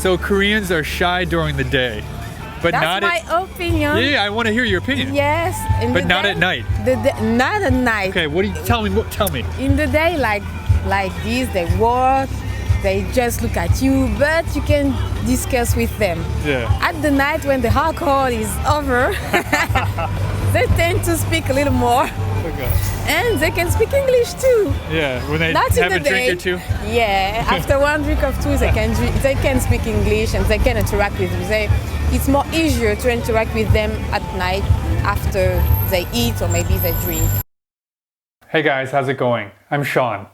So Koreans are shy during the day, but That's not my opinion. Yeah, I want to hear your opinion. Yes. But not at night. Not at night. Okay, what do you tell me? Tell me. In the day, like this, they work, they just look at you, but you can discuss with them. Yeah. At the night, when the alcohol is over, they tend to speak a little more, Okay. and they can speak English too. Yeah, when they Not have in a the drink day. or two. Yeah, after one drink or two, they can speak English and they can interact with you. It's more easier to interact with them at night after they eat or maybe they drink. Hey guys, how's it going? I'm Sean.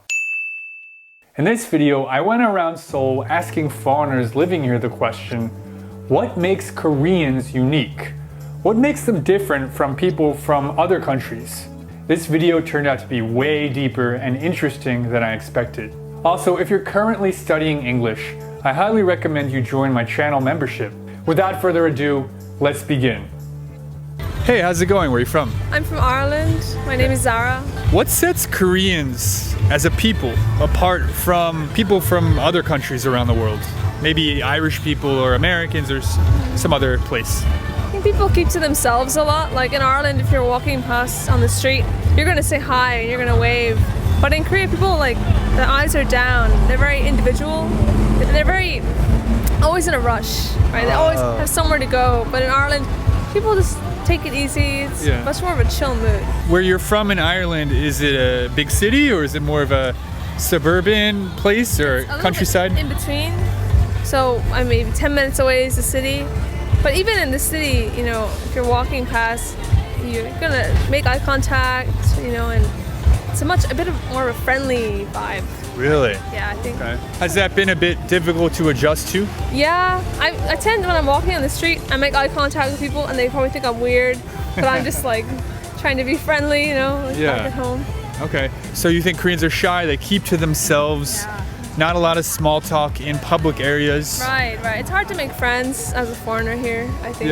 In this video, I went around Seoul asking foreigners living here the question, what makes Koreans unique? What makes them different from people from other countries? This video turned out to be way deeper and interesting than I expected. Also, if you're currently studying English, I highly recommend you join my channel membership. Without further ado, let's begin. Hey, how's it going? Where are you from? I'm from Ireland. My name is Zara. What sets Koreans as a people apart from people from other countries around the world? Maybe Irish people or Americans or some other place. I think people keep to themselves a lot. Like in Ireland, if you're walking past on the street, you're going to say hi and you're going to wave. But in Korea, people their eyes are down. They're very individual. They're very always in a rush, right? They always have somewhere to go. But in Ireland, people just take it easy. It's much more of a chill mood. Where you're from in Ireland, is it a big city or is it more of a suburban place or countryside? In between. So I mean, 10 minutes away is the city. But even in the city, if you're walking past, you're gonna make eye contact, and it's a bit of more of a friendly vibe. Really? Yeah, I think. Okay. Has that been a bit difficult to adjust to? Yeah, I tend, when I'm walking on the street, I make eye contact with people and they probably think I'm weird, but I'm just trying to be friendly, back at home. Okay, so you think Koreans are shy, they keep to themselves, not a lot of small talk in public areas. Right. It's hard to make friends as a foreigner here, I think.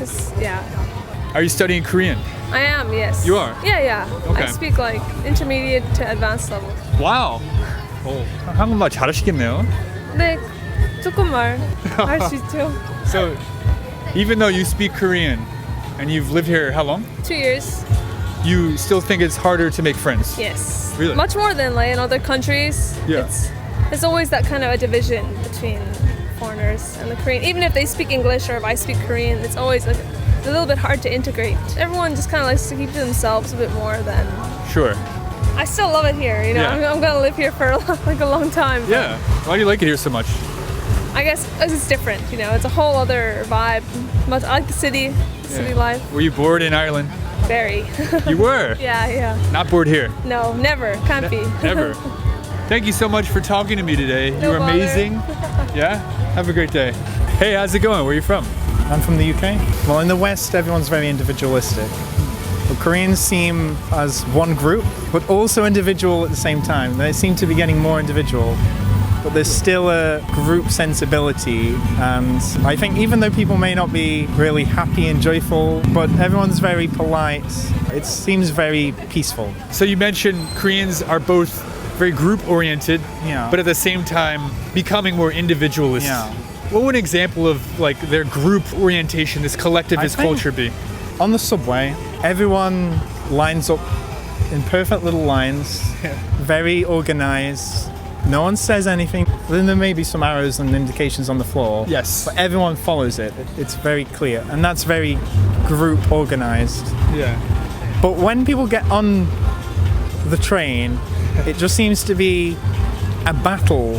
Are you studying Korean? I am, yes. You are? Yeah. Okay. I speak intermediate to advanced level. Wow. 한국말 잘하시겠네요. 네, 조금만 할 수 있죠. So, even though you speak Korean and you've lived here how long? 2 years. You still think it's harder to make friends? Yes. Really? Much more than in other countries. Yeah. It's always that kind of a division between foreigners and the Korean. Even if they speak English or if I speak Korean, it's always a little bit hard to integrate. Everyone just kind of likes to keep to themselves a bit more than... Sure. I still love it here, I'm gonna live here for a long time. Yeah. Why do you like it here so much? I guess it's different, it's a whole other vibe. I like the city life. Were you bored in Ireland? Very. You were? Yeah. Not bored here? No, never. Can't be. Never. Thank you so much for talking to me today. No You were bother. amazing. Yeah? Have a great day. Hey, how's it going? Where are you from? I'm from the UK. Well, in the West, everyone's very individualistic. But Koreans seem as one group, but also individual at the same time. They seem to be getting more individual, but there's still a group sensibility. And I think even though people may not be really happy and joyful, but everyone's very polite, it seems very peaceful. So you mentioned Koreans are both very group-oriented, but at the same time becoming more individualist. Yeah. What would an example of their group orientation, this collectivist culture be? On the subway, everyone lines up in perfect little lines, very organized. No one says anything. Then there may be some arrows and indications on the floor. Yes. But everyone follows it. It's very clear. And that's very group organized. Yeah. But when people get on the train, it just seems to be a battle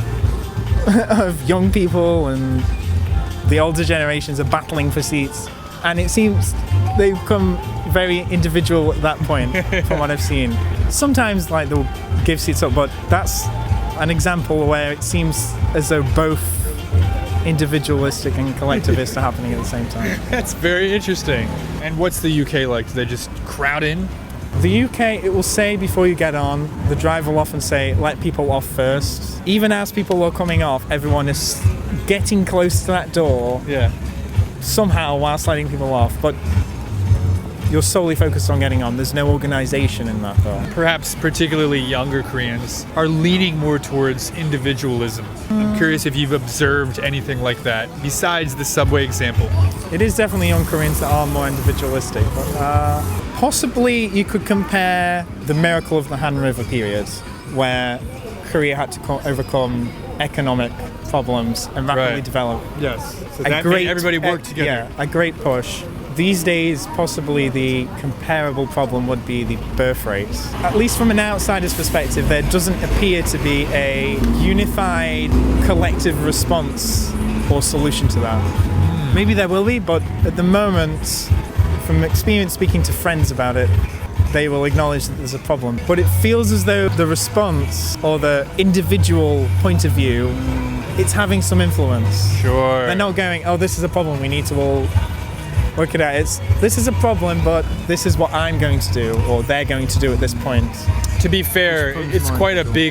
of young people, and the older generations are battling for seats. And it seems they become very individual at that point, from what I've seen. Sometimes they'll give seats up, but that's an example where it seems as though both individualistic and collectivist are happening at the same time. That's very interesting. And what's the UK like? Do they just crowd in? The UK, it will say before you get on, the driver will often say, let people off first. Even as people are coming off, everyone is getting close to that door. Yeah. Somehow whilst letting people off. But You're solely focused on getting on. There's no organization in that though. Perhaps particularly younger Koreans are leaning more towards individualism. I'm curious if you've observed anything like that besides the subway example. It is definitely young Koreans that are more individualistic, but possibly you could compare the miracle of the Han River period, where Korea had to overcome economic problems and rapidly Right. develop. Yes. So that made everybody work together. Yeah, a great push. These days, possibly the comparable problem would be the birth rates. At least from an outsider's perspective, there doesn't appear to be a unified collective response or solution to that. Maybe there will be, but at the moment, from experience speaking to friends about it, they will acknowledge that there's a problem. But it feels as though the response or the individual point of view, it's having some influence. Sure. They're not going, oh, this is a problem, we need to all work it out. It's, this is a problem, but this is what I'm going to do, or they're going to do at this point. To be fair, it's quite a big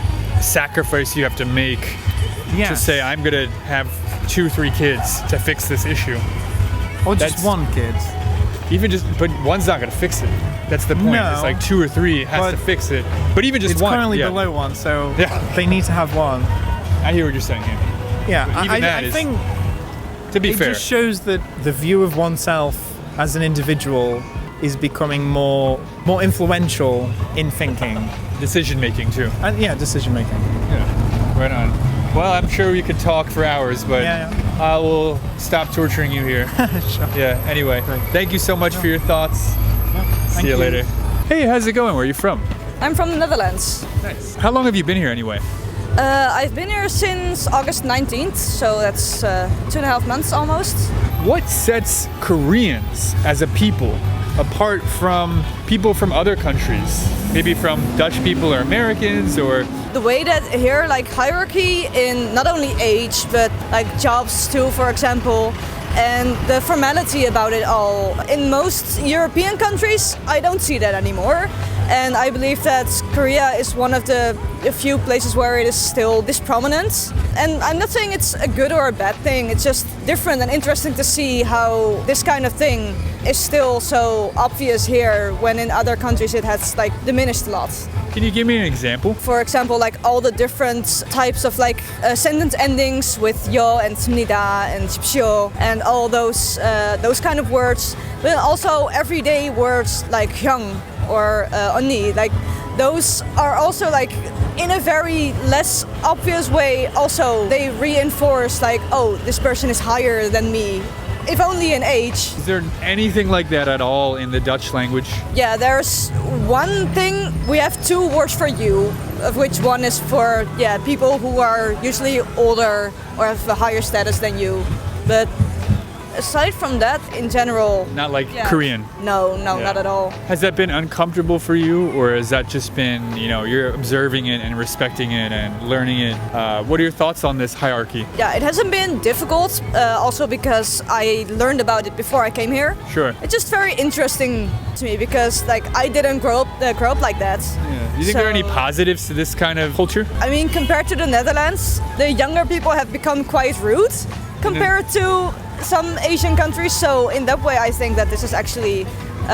sacrifice you have to make to say, I'm going to have 2-3 kids to fix this issue. Or just That's- one kid. Even just, but one's not going to fix it. That's the point. No. It's like 2 or 3 has But to fix it. But even just It's one. currently yeah. below one, so Yeah. they need to have one. I hear what you're saying here. Yeah, But even that I is- think To be it fair. just shows that the view of oneself as an individual is becoming more influential in thinking Decision making too. and decision making. Yeah. Right on. Well, I'm sure we could talk for hours, but Yeah, I will stop torturing you here. Sure. Yeah, anyway. Great. Thank you so much for your thoughts. See Thank you you. later. Hey, how's it going? Where are you from? I'm from the Netherlands. Nice. How long have you been here anyway? I've been here since August 19th, so that's 2.5 months almost. What sets Koreans as a people apart from people from other countries? Maybe from Dutch people or Americans or... The way that here, like hierarchy in not only age, but like jobs too, for example, and the formality about it all. In most European countries, I don't see that anymore. And I believe that Korea is one of the few places where it is still this prominent. And I'm not saying it's a good or a bad thing, it's just different and interesting to see how this kind of thing is still so obvious here when in other countries it has like diminished a lot. Can you give me an example? For example, like all the different types of like sentence endings with yo and smnida and 집시오 and all those kind of words, but also everyday words like hyung or 언니, like those are also like in a very less obvious way. Also, they reinforce like, oh, this person is higher than me, if only in age. Is there anything like that at all in the Dutch language? Yeah, there's one thing. We have 2 words for you, of which one is for people who are usually older or have a higher status than you. But aside from that, in general, Not like yeah. Korean. No, Yeah. not at all. Has that been uncomfortable for you, or has that just been, you're observing it and respecting it and learning it? What are your thoughts on this hierarchy? Yeah, it hasn't been difficult. Also because I learned about it before I came here. Sure. It's just very interesting to me because like I didn't grow up like that. Yeah. Do you think there are any So- positives to this kind of culture? I mean, compared to the Netherlands, the younger people have become quite rude compared to some Asian countries. So in that way, I think that this is actually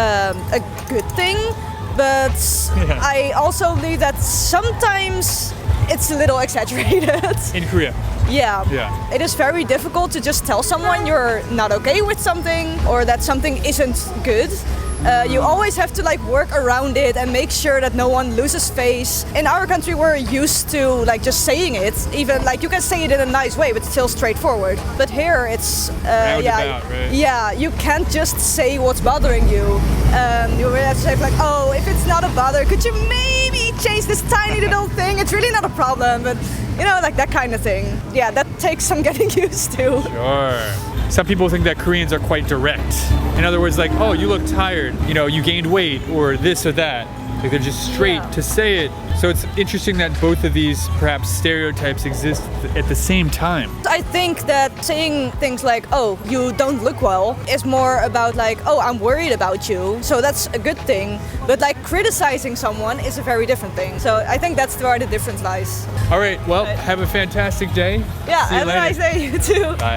a good thing. But Yeah. I also believe that sometimes it's a little exaggerated. In Korea? Yeah. Yeah. It is very difficult to just tell someone you're not okay with something or that something isn't good. You always have to like work around it and make sure that no one loses face. In our country, we're used to like just saying it. Even like you can say it in a nice way, but still straightforward. But here, it's Roundabout, right? yeah. You can't just say what's bothering you. You really have to say like, oh, if it's not a bother, could you maybe change this tiny little thing? It's really not a problem, but like that kind of thing. Yeah, that takes some getting used to. Sure. Some people think that Koreans are quite direct. In other words, like, oh, you look tired, you gained weight, or this or that. Like, they're just straight Yeah. to say it. So it's interesting that both of these, perhaps, stereotypes exist at the same time. I think that saying things like, oh, you don't look well, is more about like, oh, I'm worried about you. So that's a good thing. But like criticizing someone is a very different thing. So I think that's where the difference lies. All right, well, Right. have a fantastic day. Yeah, See you have a later. nice day, you too. Bye.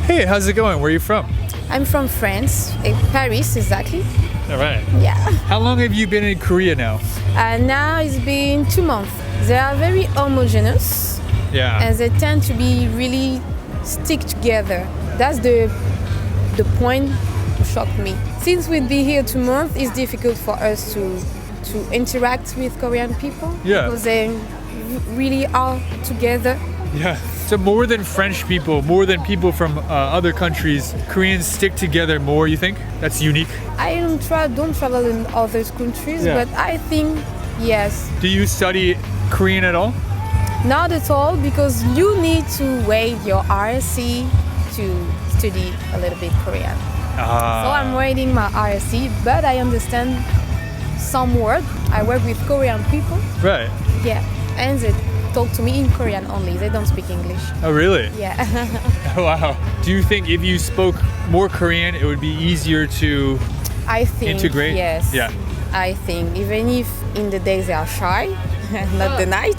Hey, how's it going? Where are you from? I'm from France, Paris exactly. All right. Yeah. How long have you been in Korea now? Now it's been 2 months. They are very homogeneous Yeah. and they tend to be really stick together. That's the point to shock me. Since we'd be here 2 months, it's difficult for us to interact with Korean people. Yeah. Because they really are together. Yeah. So more than French people, more than people from other countries, Koreans stick together more, you think? That's unique? I don't travel in other countries, Yeah. but I think yes. Do you study Korean at all? Not at all, because you need to wait your RSC to study a little bit Korean. So I'm waiting my RSC, but I understand some words. I work with Korean people, Right. yeah, and they talk to me in Korean only. They don't speak English. Oh, really? Yeah. Wow. Do you think if you spoke more Korean, it would be easier to I think integrate? yes. Yeah. I think even if in the day they are shy, not the night,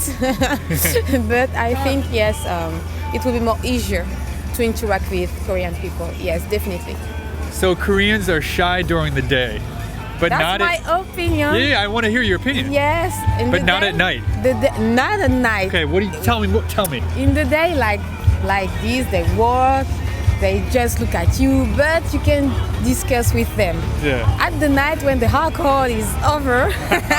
but I think yes, it will be more easier to interact with Korean people. Yes, definitely. So Koreans are shy during the day, but That's not my at... opinion. Yeah, I want to hear your opinion. Yes, in But the not day- at night. Not at night. Okay, what do you tell me? Tell me. In the day, like this, they walk, they just look at you, but you can discuss with them. Yeah. At the night, when the alcohol is over,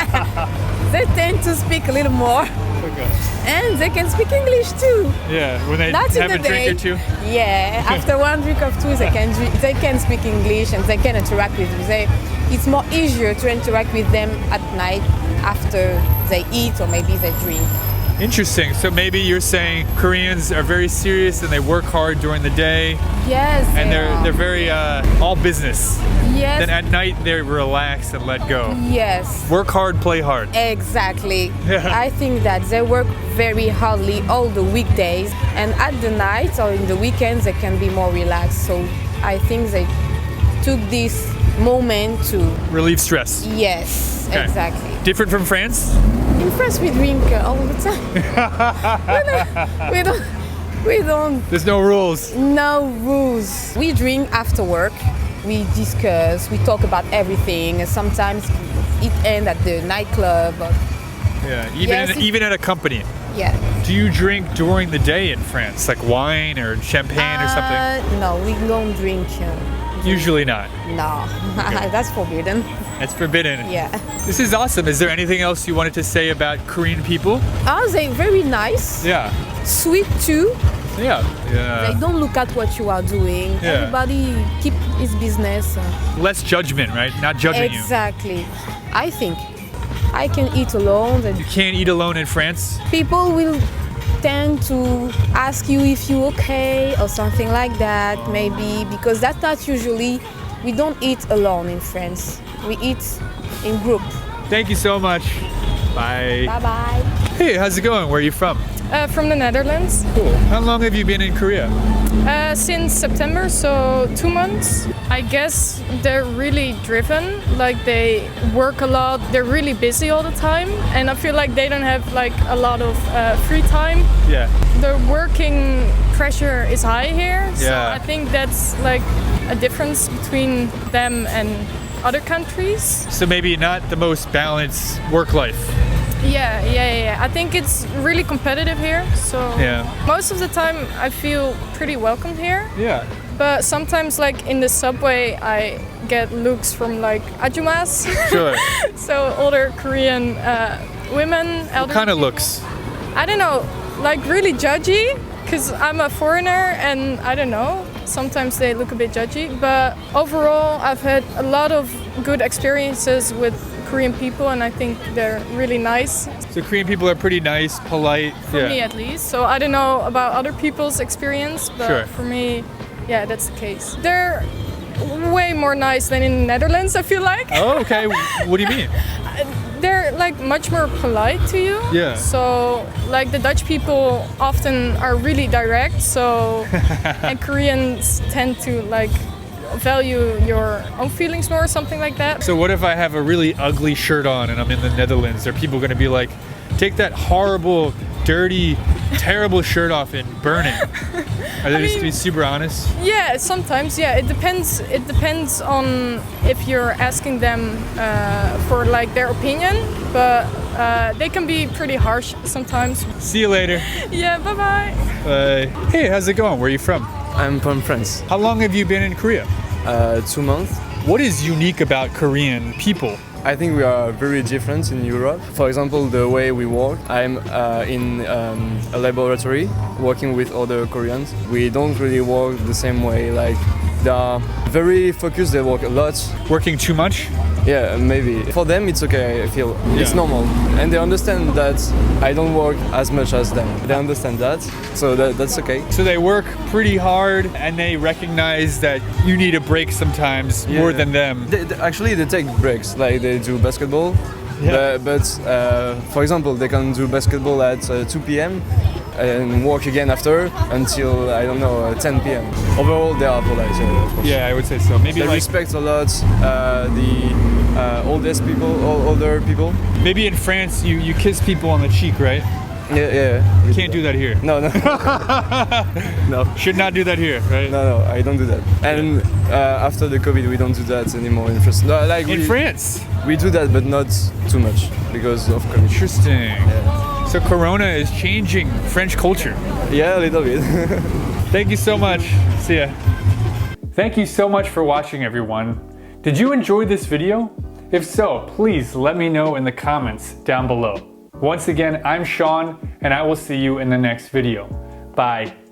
they tend to speak a little more, Okay. and they can speak English too. Yeah, when they Not have in a the drink day. or two. Yeah, after one drink of two, they can speak English and they can interact with you. It's more easier to interact with them at night after they eat or maybe they drink. Interesting. So maybe you're saying Koreans are very serious and they work hard during the day, Yes, and they are. they're very all business. Yes. Then at night they relax and let go. Yes. Work hard, play hard. Exactly. Yeah. I think that they work very hardly all the weekdays, and at the night or in the weekends they can be more relaxed. So I think they took this moment to Relieve stress. yes, Okay. exactly. Different from France? In France we drink all the time. we don't There's no rules. no rules. We drink after work. We discuss. We talk about everything. And sometimes it ends at the nightclub. Or, Yeah. Yes, it- Even at a company. yeah. Do you drink during the day in France, like wine or champagne or something? No, we don't drink. Usually not. No, that's forbidden. It's forbidden. Yeah. This is awesome. Is there anything else you wanted to say about Korean people? Oh, they're very nice. Yeah. Sweet too. Yeah. They Yeah. don't look at what you are doing. Yeah. Everybody keep his business. Less judgment, right? Not judging you. Exactly. I think I can eat alone. And You can't eat alone in France. people will tend to ask you if you're okay or something like that, maybe, because that's not usually, we don't eat alone in France. We eat in group. Thank you so much. Bye. Bye bye. Hey, how's it going? Where are you from? From the Netherlands. Cool. How long have you been in Korea? Since September, so 2 months. I guess they're really driven, like they work a lot, they're really busy all the time, and I feel like they don't have like a lot of free time. Yeah. The working pressure is high here, so Yeah. I think that's like a difference between them and other countries. So maybe not the most balanced work life. Yeah. I think it's really competitive here, so Yeah. most of the time I feel pretty welcome here. Yeah. But sometimes, like in the subway, I get looks from like ajumas, Sure. so older Korean women. What kind of looks? I don't know, like really judgy, because I'm a foreigner, and I don't know. Sometimes they look a bit judgy, but overall, I've had a lot of good experiences with Korean people, and I think they're really nice. So Korean people are pretty nice, polite. For me at least. So I don't know about other people's experience, but Sure. for me, yeah, that's the case. They're way more nice than in the Netherlands, I feel like. Oh, okay. What do you mean? They're like much more polite to you. Yeah. So like the Dutch people often are really direct, so and Koreans tend to like value your own feelings more or something like that. So what if I have a really ugly shirt on and I'm in the Netherlands? Are people going to be like, take that horrible dirty, terrible shirt off and burn it? Are they just to be super honest? Yeah, sometimes. Yeah, it depends. It depends on if you're asking them for like their opinion, but they can be pretty harsh sometimes. See you later. Yeah, bye bye. Bye. Hey, how's it going? Where are you from? I'm from France. How long have you been in Korea? 2 months. What is unique about Korean people? I think we are very different in Europe. For example, the way we work. I'm in a laboratory working with other Koreans. We don't really work the same way. Like they are very focused. They work a lot. Working too much? Yeah, maybe. For them, it's okay. I feel it's Yeah. normal, and they understand that I don't work as much as them. They understand that, so that's okay. So they work pretty hard and they recognize that you need a break sometimes more Yeah. than them. Actually, they take breaks. Like they do basketball, Yeah. but for example, they can do basketball at 2 p.m. and work again after until I don't know 10 p.m. Overall, they are polite. Of course. Yeah, I would say so. Maybe They like respect a lot the oldest people, older people. maybe in France you kiss people on the cheek, right? Yeah. You can't do that here. No. No. Should not do that here, right? No, I don't do that. And after the COVID, we don't do that anymore in France. No, like In we, France. we do that, but not too much because of COVID. Interesting. So Corona is changing French culture. Yeah, a little bit. Thank you so much. See ya. Thank you so much for watching, everyone. Did you enjoy this video? If so, please let me know in the comments down below. Once again, I'm Sean, and I will see you in the next video. Bye.